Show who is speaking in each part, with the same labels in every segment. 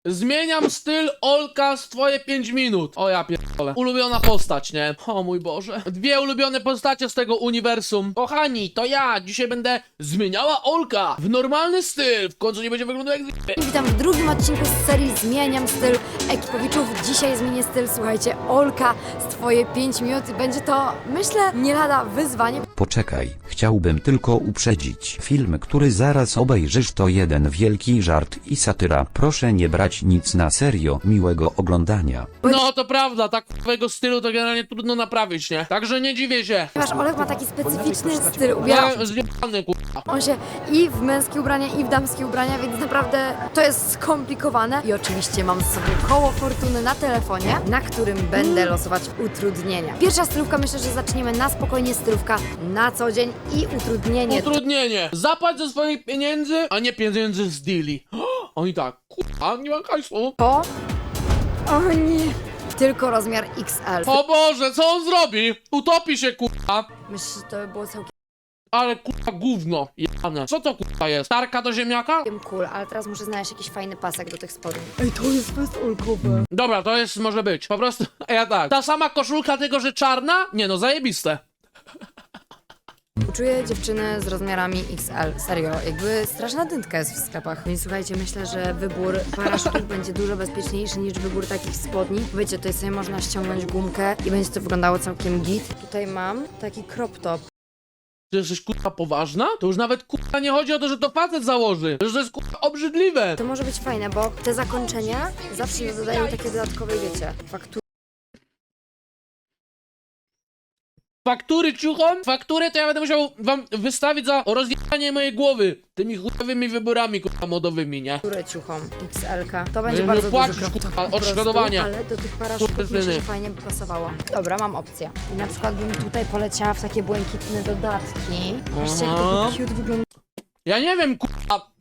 Speaker 1: Zmieniam styl Olka z twoje 5 minut. O ja pierdolę. Ulubiona postać, nie? O mój Boże. Dwie ulubione postacie z tego uniwersum. Kochani, to ja dzisiaj będę zmieniała Olka w normalny styl. W końcu nie będzie wyglądał jak
Speaker 2: Witam w drugim odcinku z serii Zmieniam styl Ekipowiczów. Dzisiaj zmienię styl, słuchajcie, Olka z twoje 5 minut. Będzie to, myślę, nie lada wyzwanie.
Speaker 3: Poczekaj, chciałbym tylko uprzedzić. Film, który zaraz obejrzysz, to jeden wielki żart i satyra. Proszę nie brać nic na serio. Miłego oglądania.
Speaker 1: No to prawda, tak twojego stylu to generalnie trudno naprawić, nie? Także nie dziwię się.
Speaker 2: Ponieważ Olek ma taki specyficzny styl, ubiera
Speaker 1: Ja zjebany, kurwa.
Speaker 2: on się i w męskie ubrania, i w damskie ubrania, więc naprawdę to jest skomplikowane. I oczywiście mam z sobą koło fortuny na telefonie, na którym będę losować utrudnienia. Pierwsza stylówka, myślę, że zaczniemy na spokojnie, stylówka na co dzień i utrudnienie.
Speaker 1: Utrudnienie. Zapłać ze swoich pieniędzy, a nie pieniędzy z deali. Oni tak, kurwa, nie ma hajsu.
Speaker 2: To... O nie... Tylko rozmiar XL.
Speaker 1: O Boże, co on zrobi? Utopi się, kurwa.
Speaker 2: Myślę, że to by było całkiem
Speaker 1: Ale kurwa gówno, jane. Co to kurwa jest? Tarka do ziemniaka?
Speaker 2: cool, ale teraz muszę znaleźć jakiś fajny pasek do tych spodni. Ej, to jest fest olkowe.
Speaker 1: Dobra, to jest, może być. Po prostu, ja tak. Ta sama koszulka, tylko że czarna? Nie no, zajebiste.
Speaker 2: Uczuję dziewczyny z rozmiarami XL. Serio, jakby straszna dętka jest w sklepach. Więc słuchajcie, myślę, że wybór paraszutów będzie dużo bezpieczniejszy niż wybór takich spodni. Wiecie, tutaj sobie można ściągnąć gumkę i będzie to wyglądało całkiem git. Tutaj mam taki crop top.
Speaker 1: Ty jesteś kurwa poważna? To już nawet kurwa nie chodzi o to, że to facet założy. Że to jest kurwa obrzydliwe.
Speaker 2: To może być fajne, bo te zakończenia zawsze dodają takie dodatkowe, wiecie, faktury.
Speaker 1: Faktury ciuchom? Fakturę to ja będę musiał wam wystawić za rozjechanie mojej głowy tymi chujowymi wyborami kurwa modowymi, nie?
Speaker 2: Ciuchom XL-ka. To będzie
Speaker 1: Nie
Speaker 2: bardzo
Speaker 1: płacisz,
Speaker 2: duży crop top
Speaker 1: kurwa,
Speaker 2: po prostu,
Speaker 1: odszkodowanie.
Speaker 2: ale do tych paraszutów myślę,
Speaker 1: Kurtyny.
Speaker 2: że fajnie by pasowało. Dobra, mam opcję. I na przykład bym tutaj poleciała w takie błękitne dodatki. Patrzcie, jak to
Speaker 1: Aha.
Speaker 2: by cute wyglądało.
Speaker 1: Ja nie wiem kurwa.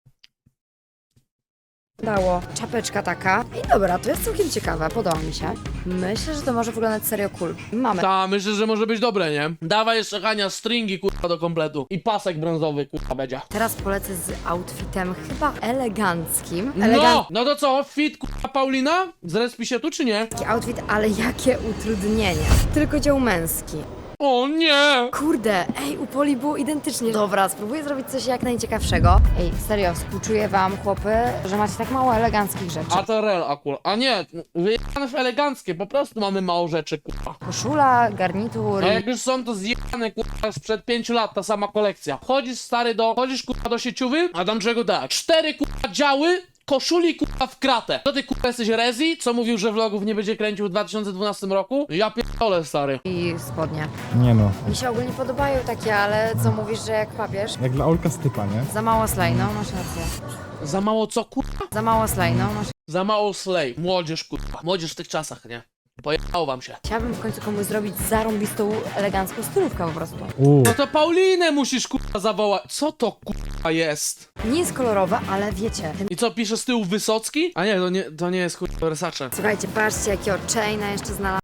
Speaker 2: Czapeczka taka. I dobra, to jest całkiem ciekawe, podoba mi się. Myślę, że to może wyglądać serio cool. Mamy.
Speaker 1: Ta, myślę, że może być dobre, nie? Dawaj jeszcze Hania stringi kurwa do kompletu. I pasek brązowy kurwa będzie.
Speaker 2: Teraz polecę z outfitem chyba eleganckim.
Speaker 1: No to co? Fit kurwa Paulina? Zrespi się tu czy nie?
Speaker 2: Elegancki outfit, ale jakie utrudnienie. Tylko dział męski.
Speaker 1: O nie!
Speaker 2: Kurde, ej, u Poli było identycznie. Dobra, spróbuję zrobić coś jak najciekawszego. Ej, serio, współczuję wam, chłopy, że macie tak mało eleganckich rzeczy.
Speaker 1: A to rel akurat. A nie, wyjebane w eleganckie, po prostu mamy mało rzeczy kurwa.
Speaker 2: Koszula, garnitur.
Speaker 1: A jak już są to zjebane kurwa sprzed 5 lat ta sama kolekcja. Chodzisz kurwa do sieciowy, a tam czego tak? 4 kurwa działy, koszuli kurwa w kratę. To ty kurwa jesteś Rezi, co mówił, że vlogów nie będzie kręcił w 2012 roku? Ja pierdolę stary.
Speaker 2: I spodnie.
Speaker 4: Nie no,
Speaker 2: Mi się ogólnie podobają takie, ale co mówisz, że jak papież?
Speaker 4: jak dla Olka stypa, nie?
Speaker 2: Za mało slay, no masz rację.
Speaker 1: Za mało co kurwa?
Speaker 2: Za mało slay, no masz.
Speaker 1: Za mało slay. Młodzież kurwa. Młodzież w tych czasach, nie? Pojechało wam się.
Speaker 2: Chciałabym w końcu komuś zrobić zarąbistą, elegancką stylówkę po prostu.
Speaker 1: No to Paulinę musisz kurwa zawołać. Co to kurwa jest?
Speaker 2: Nie jest kolorowe, ale wiecie. Ten...
Speaker 1: I co, pisze z tyłu Wysocki? A nie, to nie jest kurwa Versace.
Speaker 2: Słuchajcie, patrzcie, jakiego chaina jeszcze znalazłam.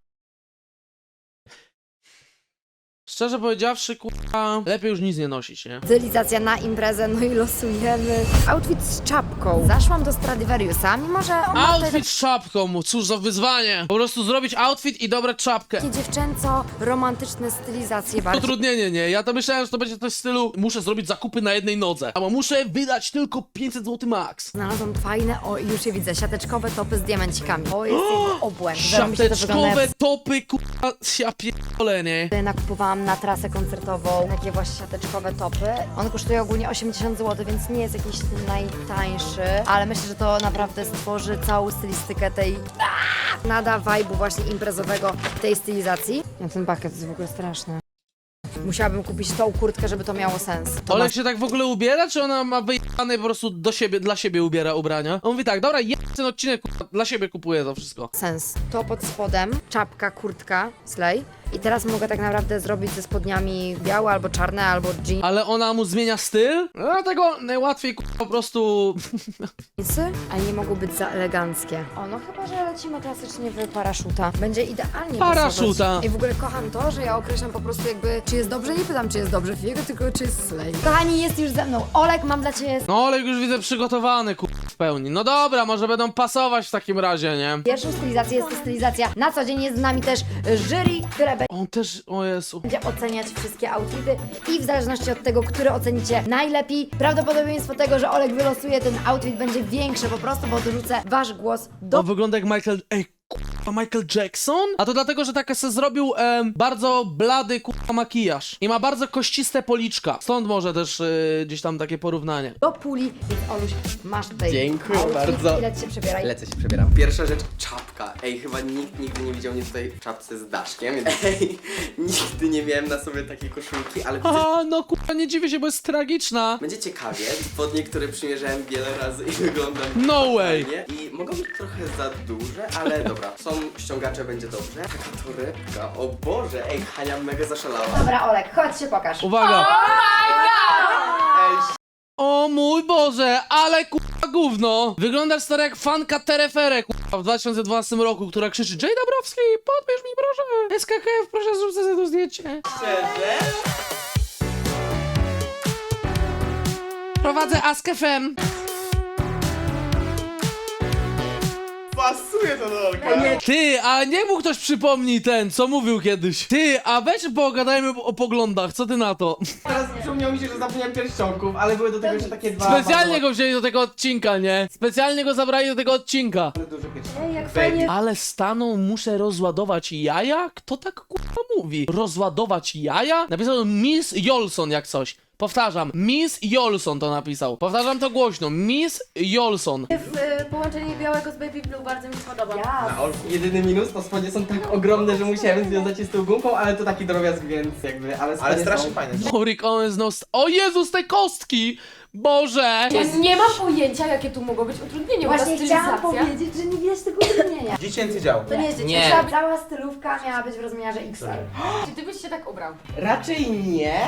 Speaker 1: Szczerze powiedziawszy, kurwa, lepiej już nic nie nosić, nie?
Speaker 2: Stylizacja na imprezę, no i losujemy. Outfit z czapką. Zaszłam do Stradivariusa, mimo że on ma tutaj
Speaker 1: Outfit z czapką, cóż za wyzwanie. Po prostu zrobić outfit i dobrać czapkę.
Speaker 2: takie dziewczęco-romantyczne stylizacje bardziej.
Speaker 1: Utrudnienie, nie? Ja to myślałem, że to będzie coś w stylu muszę zrobić zakupy na jednej nodze. Albo muszę wydać tylko 500 zł max.
Speaker 2: Znalazłam fajne, o już je widzę, siateczkowe topy z diamencikami. To jest jego obłęd. Zarąbiście to wygląda,
Speaker 1: Siateczkowe
Speaker 2: jak
Speaker 1: topy, kurwa, ja pierdolę, nie?
Speaker 2: nakupowałam na trasę koncertową takie właśnie siateczkowe topy. One kosztują ogólnie 80 zł, więc nie jest jakiś najtańszy, ale myślę, że to naprawdę stworzy całą stylistykę tej... Nada vibe'u właśnie imprezowego tej stylizacji. Jak ten bucket jest w ogóle straszny. Musiałabym kupić tą kurtkę, żeby to miało sens. To
Speaker 1: Olek się tak w ogóle ubiera, czy ona ma wyjebane po prostu do siebie, dla siebie ubiera ubrania? On mówi tak, dobra, ten odcinek kurwa, dla siebie kupuję to wszystko.
Speaker 2: Sens. To pod spodem, czapka, kurtka, slay. I teraz mogę tak naprawdę zrobić ze spodniami białe albo czarne, albo jeans.
Speaker 1: Ale ona mu zmienia styl? Dlatego najłatwiej po prostu...
Speaker 2: Jeansy, a nie mogą być za eleganckie. O, no chyba, że lecimy klasycznie w paraszuta. Będzie idealnie
Speaker 1: Paraszuta.
Speaker 2: pasować. I w ogóle kocham to, że ja określam po prostu jakby, czy jest dobrze, nie pytam, czy jest dobrze Fiego, tylko czy jest slay. Kochani, jest już ze mną Olek, mam dla ciebie
Speaker 1: No ale już widzę przygotowany w pełni. No dobra, może będą pasować w takim razie, nie?
Speaker 2: pierwszą stylizację. Jest to stylizacja na co dzień. Jest z nami też jury, które
Speaker 1: On też, o Jezu.
Speaker 2: będzie oceniać wszystkie outfity i w zależności od tego, który ocenicie najlepiej, prawdopodobieństwo tego, że Olek wylosuje ten outfit będzie większe po prostu, bo dorzucę wasz głos do...
Speaker 1: On wygląda jak Michael... Ej, kurwa, Michael Jackson? A to dlatego, że tak se zrobił bardzo blady kurwa makijaż. I ma bardzo kościste policzka. Stąd może też gdzieś tam takie porównanie.
Speaker 2: do puli, więc Oluś, masz tutaj
Speaker 4: Dziękuję
Speaker 2: outfit
Speaker 4: bardzo.
Speaker 2: i leć się przebieraj.
Speaker 4: Lecę się przebieram. Pierwsza rzecz, czapka. Ej, chyba nikt nigdy nie widział mnie tutaj w czapce z daszkiem. Ej, nigdy nie miałem na sobie takiej koszulki, ale widzę,
Speaker 1: A, no kurwa, nie dziwię się, bo jest tragiczna.
Speaker 4: będzie ciekawie. Spodnie, które przymierzałem wiele razy i wyglądam
Speaker 1: No way.
Speaker 4: fajnie. I mogą być trochę za duże, ale dobra. Są ściągacze, będzie dobrze. Taka torebka, o Boże. Ej, Hania mega zaszalała.
Speaker 2: Dobra, Olek, chodź się pokaż.
Speaker 1: Uwaga.
Speaker 4: Ej,
Speaker 1: O mój Boże, ale kurwa gówno. Wyglądasz stary jak fanka Terefere kurwa w 2012 roku, która krzyczy: Jay Dabrowski, podbierz mi proszę. SKKF, proszę zrób sobie to zdjęcie.
Speaker 4: szczerze?
Speaker 1: Prowadzę Ask.fm.
Speaker 4: Pasuje to do Olka.
Speaker 1: Ty, a niech mu ktoś przypomni ten, co mówił kiedyś. Ty, a weź pogadajmy o poglądach, co ty na to?
Speaker 4: Teraz przypomniało mi się, że zapomniałem pierścionków, ale były do tego jeszcze takie dwa.
Speaker 1: Specjalnie go wzięli do tego odcinka, nie? Specjalnie go zabrali do tego odcinka.
Speaker 4: Duże pierścionki.
Speaker 2: Ej, jak fajnie.
Speaker 1: Ale staną, muszę rozładować jaja? Kto tak kurwa mówi? Rozładować jaja? Napisał Miss Jolson jak coś. Powtarzam, Miss Jolson to napisał. Powtarzam to głośno, Miss Jolson.
Speaker 5: Połączenie białego z Baby Blue bardzo mi się podoba.
Speaker 4: Na Olku. Jedyny minus, to spodnie są tak ogromne, że musiałem związać je z tą gumką, ale to taki drobiazg, więc jakby, ale strasznie fajne.
Speaker 1: Rick Owens no... O Jezus, te kostki! Boże!
Speaker 5: Ja nie mam pojęcia, jakie tu mogą być utrudnienia. bo ta
Speaker 2: Właśnie chciałam
Speaker 5: stylizacja-
Speaker 2: powiedzieć, że nie widać tego utrudnienia.
Speaker 6: Dziecięcy dział.
Speaker 2: To nie jest
Speaker 4: Nie.
Speaker 2: dziecięca, cała stylówka miała być w rozmiarze XL.
Speaker 5: Czy ty byś się tak ubrał?
Speaker 4: Raczej nie,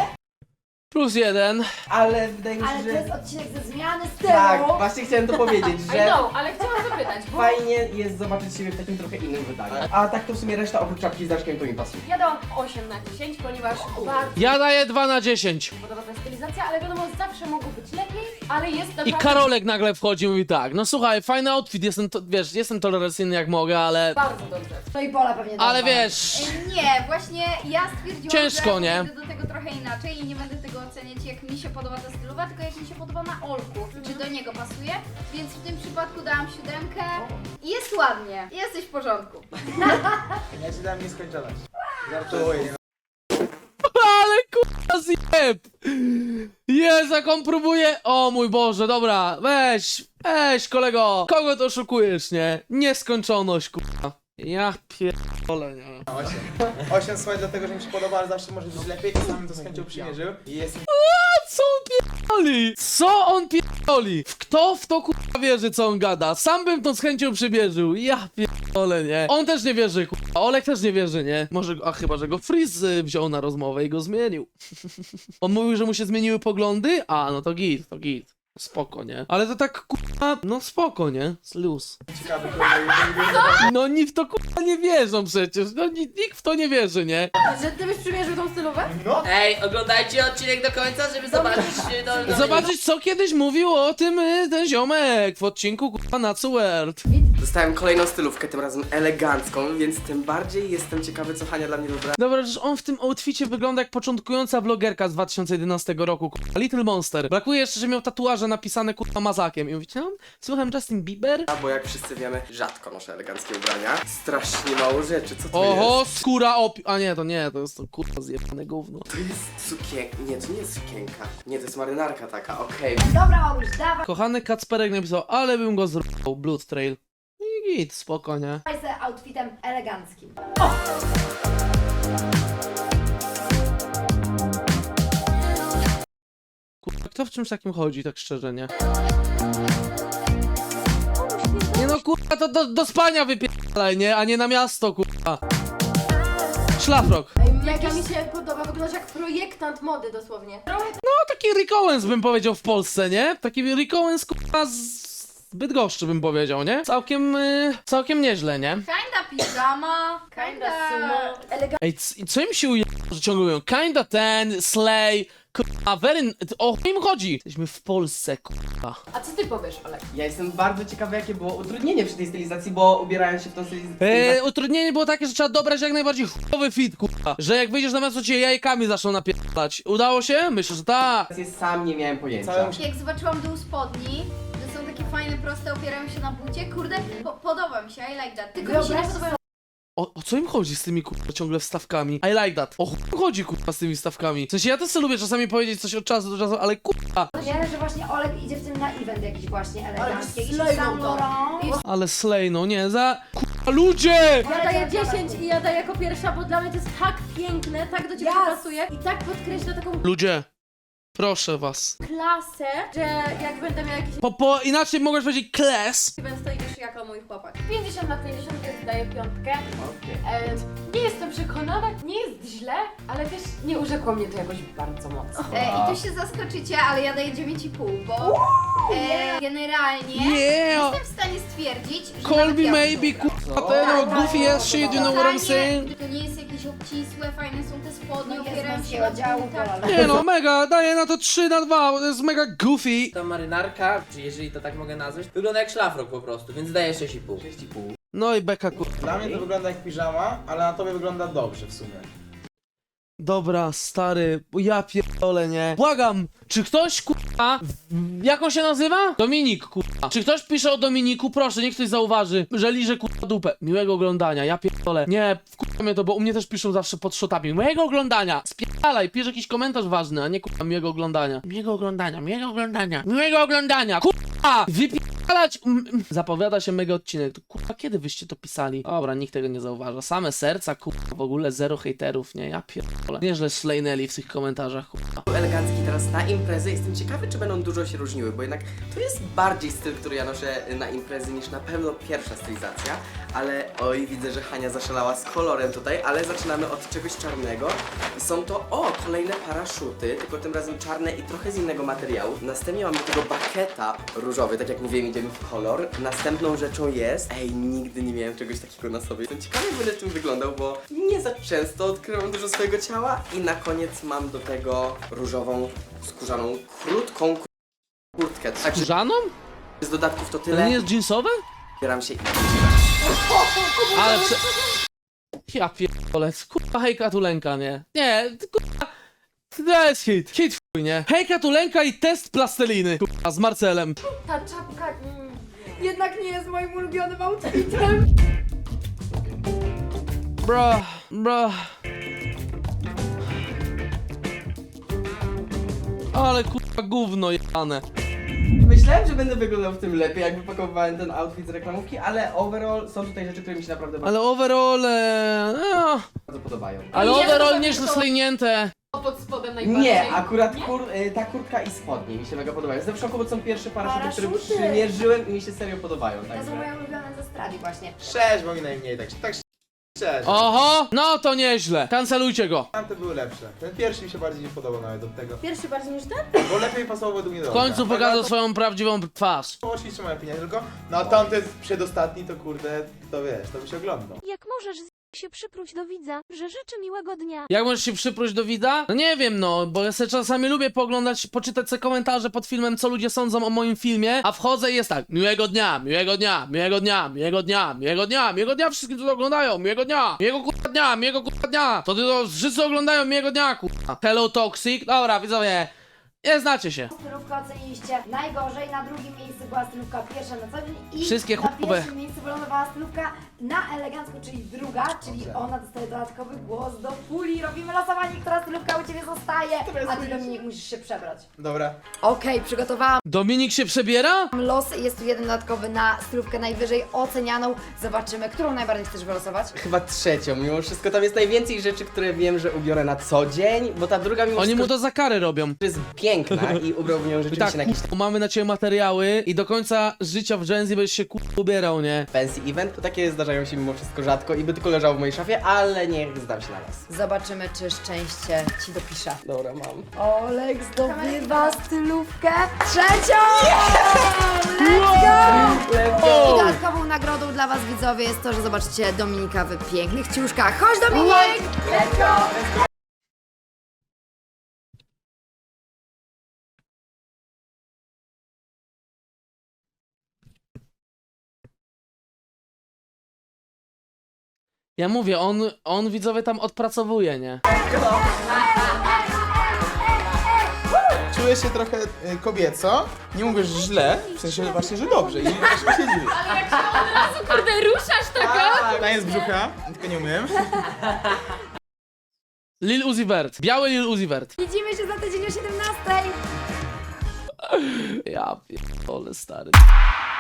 Speaker 1: +1.
Speaker 4: ale wydaje mi się,
Speaker 2: Ale to
Speaker 4: że...
Speaker 2: jest odcinek ze zmiany stylu.
Speaker 4: Tak, właśnie chciałem to powiedzieć,
Speaker 5: I
Speaker 4: że
Speaker 5: know, ale chciałam zapytać, bo
Speaker 4: fajnie jest zobaczyć siebie w takim trochę innym wydaniu. A tak to w sumie reszta oprócz czapki z daszkiem to mi pasuje.
Speaker 5: ja dałam 8 na 10, ponieważ bardzo
Speaker 1: Ja daję 2 na 10.
Speaker 5: mi podoba ta stylizacja, ale wiadomo, zawsze mogło być lepiej, ale jest
Speaker 1: I
Speaker 5: naprawdę
Speaker 1: Karolek nagle wchodzi i mówi tak: no słuchaj, fajny outfit, wiesz, jestem tolerancyjny jak mogę, ale...
Speaker 5: bardzo dobrze.
Speaker 2: No i Pola pewnie
Speaker 1: Ale
Speaker 2: dała.
Speaker 1: wiesz...
Speaker 7: Nie, właśnie ja stwierdziłam,
Speaker 1: Ciężko,
Speaker 7: że
Speaker 1: nie?
Speaker 7: podejdę do tego trochę inaczej i nie będę tego oceniać jak mi się podoba ta stylowa, tylko jak mi się podoba na Olku, czy do niego pasuje, więc w tym przypadku dałam 7 i jest ładnie, jesteś w porządku.
Speaker 6: Ja ci dam nieskończoność. Żartuję.
Speaker 1: Ale kurwa zjeb! Jezu, jak on próbuje... O mój Boże, dobra, weź kolego. Kogo to oszukujesz, nie? Nieskończoność, kurwa. Ja pierdolę, nie?
Speaker 6: 8 słuchaj, dlatego że mi się podoba, ale zawsze może być lepiej. Czasami to z chęcią przymierzył. I jest
Speaker 1: Co on pierdoli? Co on pierdoli? Kto w to kurwa wierzy, co on gada? Sam bym to z chęcią przybierzył. Ja pierdolę, nie? On też nie wierzy, kurwa. Olek też nie wierzy, nie? Może, a chyba, że go Freeze wziął na rozmowę i go zmienił. On mówił, że mu się zmieniły poglądy? A, no to git. Spoko, nie? Ale to tak, kurwa, no spoko, nie? Luz.
Speaker 6: ciekawy,
Speaker 1: No oni w to, kurwa, nie wierzą przecież. No nikt w to nie wierzy, nie?
Speaker 5: Że ty byś przymierzył tą stylówę?
Speaker 8: Ej, oglądajcie odcinek do końca, żeby zobaczyć
Speaker 1: Zobaczyć, co kiedyś mówił o tym ten ziomek w odcinku, kurwa, Natsu World.
Speaker 4: Dostałem kolejną stylówkę, tym razem elegancką, więc tym bardziej jestem ciekawy, co Hania dla mnie dobra.
Speaker 1: Dobra, że on w tym outficie wygląda jak początkująca vlogerka z 2011 roku, kurwa. Little Monster. Brakuje jeszcze, że miał tatuaże napisane, kurwa, mazakiem. I mówicie, no, słucham Justin Bieber?
Speaker 4: Bo jak wszyscy wiemy, rzadko noszę eleganckie ubrania. Strasznie mało rzeczy, co to
Speaker 1: Oho,
Speaker 4: jest?
Speaker 1: skóra A nie, to jest to, kurwa, zjebane gówno.
Speaker 4: To jest sukienka. Nie, to nie jest sukienka. Nie, to jest marynarka taka, okej.
Speaker 2: Dobra, Oluś, dawaj
Speaker 1: Kochany Kacperek napisał, ale bym go zrobił, Blood Trail. I git, spoko, nie?
Speaker 2: se outfitem eleganckim.
Speaker 1: Kurwa, kto w czymś takim chodzi, tak szczerze, nie? Nie no, to kurwa, to do spania wypierdalaj, nie? A nie na miasto, kurwa. Szlafrok.
Speaker 5: Mega mi się podoba, wyglądasz jak projektant mody dosłownie.
Speaker 1: No taki Rick Owens bym powiedział w Polsce, nie? Taki Rick Owens, kurwa, z Bydgoszczy bym powiedział, nie? Całkiem nieźle, nie?
Speaker 7: Kinda piżama,
Speaker 5: Kinda sumo.
Speaker 1: Ej, co im się ujęło, że ciągle mówią? Kinda ten, slay, kurwa, very... O chuj im chodzi? Jesteśmy w Polsce, kurwa.
Speaker 5: A co ty powiesz, Olek?
Speaker 4: Ja jestem bardzo ciekawy, jakie było utrudnienie przy tej stylizacji, bo ubierając się w tą stylizację...
Speaker 1: Utrudnienie było takie, że trzeba dobrać jak najbardziej chujowy fit, kurwa. Że jak wyjdziesz na miasto, cię jajkami zaczną napierdalać. Udało się? Myślę, że tak.
Speaker 4: Sam nie miałem pojęcia.
Speaker 6: Całe
Speaker 7: Jak zobaczyłam dół spodni, że są takie fajne, proste, opierają się na bucie, kurde, podoba mi się, I like that. Tylko mi się nie podobają
Speaker 1: O co im chodzi z tymi kurwa ciągle wstawkami? I like that. O chuj im chodzi kurwa z tymi wstawkami. W sensie ja też sobie lubię czasami powiedzieć coś od czasu do czasu, ale kurwa.
Speaker 2: Wiele, że właśnie Olek idzie w tym na event jakiś właśnie elegancki. Jakiś
Speaker 5: slay
Speaker 2: Saint
Speaker 5: to.
Speaker 2: Laurent.
Speaker 1: Ale slay, no nie, kurwa ludzie!
Speaker 5: Ja daję 10 i ja daję jako pierwsza, bo dla mnie to jest tak piękne, tak do ciebie pasuje i tak podkreśla taką
Speaker 1: Ludzie, proszę was.
Speaker 5: klasę, że jak będę miała jakiś
Speaker 1: Inaczej mogłeś powiedzieć class.
Speaker 5: event, to idziesz jako mój chłopak. 50 na 50, więc daję piątkę. Nie jestem przekonana, nie jest źle, ale też nie urzekło mnie to jakoś bardzo mocno.
Speaker 7: I tu się zaskoczycie, ale ja daję 9,5, bo generalnie
Speaker 1: Yeah!
Speaker 7: jestem w stanie stwierdzić, że
Speaker 1: Call
Speaker 7: nawet
Speaker 1: me
Speaker 7: ja bym
Speaker 1: maybe,
Speaker 7: wybrał.
Speaker 1: kurwa, ten goofy ass shit, you know what I'm saying?
Speaker 7: To nie jest jakieś obcisłe, fajne są te spodnie,
Speaker 2: No jest
Speaker 7: opierają się
Speaker 2: męskiego
Speaker 7: na
Speaker 2: działu,
Speaker 7: butach.
Speaker 2: wolę.
Speaker 1: Nie no, mega, daję na to 3/2, bo to jest mega goofy.
Speaker 8: Ta marynarka, czy jeżeli to tak mogę nazwać, wygląda jak szlafrok po prostu, więc daję 6,5.
Speaker 4: 6,5.
Speaker 1: No i beka kurwa.
Speaker 6: Dla mnie to wygląda jak piżama, ale na tobie wygląda dobrze w sumie.
Speaker 1: Dobra, stary, bo ja pierdolę, nie? Błagam, czy ktoś, kurwa, jak on się nazywa? Dominik, kurwa. Czy ktoś pisze o Dominiku? Proszę, niech ktoś zauważy, że liże, kurwa, dupę. Miłego oglądania, ja pierdolę. Nie, wkurwa mnie to, bo u mnie też piszą zawsze pod shotami. Miłego oglądania, spierdalaj, pisz jakiś komentarz ważny, a nie, kurwa, miłego oglądania. Miłego oglądania, miłego oglądania, miłego oglądania, kurwa, wypierdalać. Zapowiada się mega odcinek. To, kurwa, kiedy wyście to pisali? Dobra, nikt tego nie zauważa. Same serca, kurwa, w ogóle zero hejterów, nie? Ja pierdolę. Nieźle slejnęli w tych komentarzach, kurwa.
Speaker 4: Elegancki teraz na imprezy. Jestem ciekawy, czy będą dużo się różniły, bo jednak to jest bardziej styl, który ja noszę na imprezy niż na pewno pierwsza stylizacja. Ale oj, widzę, że Hania zaszalała z kolorem tutaj, ale zaczynamy od czegoś czarnego. I są to, kolejne paraszuty, tylko tym razem czarne i trochę z innego materiału. Następnie mamy tego bakieta różowy, tak jak mówiłem, idziemy w kolor. Następną rzeczą jest, nigdy nie miałem czegoś takiego na sobie. Jestem ciekawy, jak będę tym wyglądał, bo nie za często odkrywam dużo swojego ciała. I na koniec mam do tego różową, skórzaną, krótką kurtkę. Także
Speaker 1: Żaną?
Speaker 4: z dodatków to
Speaker 1: To
Speaker 4: tyle.
Speaker 1: nie jest jeansowe?
Speaker 4: Zbieram się i...
Speaker 1: Ale ja pierdolę, kurwa hejka tulenka, nie? Nie, kurwa, to jest hit, hit chuj, nie? Hejka tulenka i test plasteliny, kurwa, z Marcelem.
Speaker 5: Ta czapka jednak nie jest moim ulubionym outfitem.
Speaker 1: Bro. Ale kurwa gówno jane.
Speaker 4: Myślałem, że będę wyglądał w tym lepiej, jak wypakowałem ten outfit z reklamówki, ale overall są tutaj rzeczy, które mi się naprawdę
Speaker 1: Ale overall,
Speaker 4: bardzo podobają.
Speaker 1: ale
Speaker 5: Nie,
Speaker 1: overall
Speaker 5: to
Speaker 1: nieźle
Speaker 5: to-
Speaker 1: slejnięte.
Speaker 5: Pod spodem najbardziej.
Speaker 4: Nie, akurat ta kurtka i spodnie mi się mega podobają. Jestem w szoku, bo to są pierwsze paraszuty, które
Speaker 2: Paraszuty.
Speaker 4: przymierzyłem i mi się serio podobają.
Speaker 2: To są
Speaker 4: Także.
Speaker 2: moje ulubione ze Stradi właśnie.
Speaker 6: 6, bo mi najmniej, tak szczerze.
Speaker 1: Oho, no to nieźle. Kancelujcie go.
Speaker 6: Tamte były lepsze. Ten pierwszy mi się bardziej nie podobał nawet od tego.
Speaker 5: Pierwszy bardziej niż ten?
Speaker 6: Bo lepiej pasował według mnie do
Speaker 1: W końcu
Speaker 6: oka.
Speaker 1: pokazał swoją prawdziwą twarz.
Speaker 6: To oczywiście moja opinia tylko. No a tamten przedostatni to kurde, to wiesz, to by się oglądał.
Speaker 9: Jak możesz się przypróć do widza, że życzę miłego dnia.
Speaker 1: Jak możesz się przypróć do widza? No nie wiem, no, bo ja sobie czasami lubię pooglądać, poczytać sobie komentarze pod filmem, co ludzie sądzą o moim filmie, a wchodzę i jest tak, miłego dnia, miłego dnia, miłego dnia, miłego dnia, miłego dnia, miłego dnia wszystkim, co to oglądają, miłego dnia, miłego kurwa dnia, miłego kurwa dnia, to wszyscy oglądają miłego dnia, kurwa. Hello Toxic, dobra, widzowie, nie znacie się.
Speaker 2: Stylówkę oceniliście najgorzej, na drugim miejscu była stylówka pierwsza na co dzień i
Speaker 1: Wszystkie
Speaker 2: na
Speaker 1: chujowe.
Speaker 2: pierwszym miejscu wylądowała stylówka na elegancko, czyli druga, czyli ona dostaje dodatkowy głos do puli. Robimy losowanie, która stylówka u Ciebie zostaje, a Ty, Dominik, musisz się przebrać.
Speaker 6: Dobra.
Speaker 2: Okej, przygotowałam
Speaker 1: Dominik się przebiera?
Speaker 2: los, jest tu jeden dodatkowy na stylówkę najwyżej ocenianą. Zobaczymy, którą najbardziej chcesz wylosować.
Speaker 4: Chyba trzecią, mimo wszystko tam jest najwięcej rzeczy, które wiem, że ubiorę na co dzień, bo ta druga mimo
Speaker 1: Oni mu
Speaker 4: wszystko
Speaker 1: to za karę robią.
Speaker 4: jest piękna. piękna i ubrałbym ją
Speaker 1: I
Speaker 4: rzeczywiście
Speaker 1: tak,
Speaker 4: na jakiś
Speaker 1: kurwa, mamy na ciebie materiały i do końca życia w Gen Z będziesz się kurwa ubierał, nie?
Speaker 4: fancy event, to takie zdarzają się mimo wszystko rzadko i by tylko leżało w mojej szafie, ale niech zdam się na was.
Speaker 2: Zobaczymy, czy szczęście ci dopisze.
Speaker 4: Dobra, mam.
Speaker 2: Olek zdobywa stylówkę trzecią! Let's go! I dodatkową nagrodą dla was, widzowie, jest to, że zobaczycie Dominika w pięknych ciuszkach. Chodź, Dominik! Let's go!
Speaker 1: Ja mówię, on widzowie tam odpracowuje, nie?
Speaker 6: Czuję się trochę kobieco. Nie mówię, że źle, w sensie właśnie, że dobrze. I właśnie się dziwię.
Speaker 5: Kurde, ruszasz taka?
Speaker 6: Taniec brzucha, tylko nie umiem.
Speaker 1: Lil Uzi Vert. Biały Lil Uzi Vert.
Speaker 2: Widzimy się za tydzień o 17.
Speaker 1: Ja pierdolę, stary.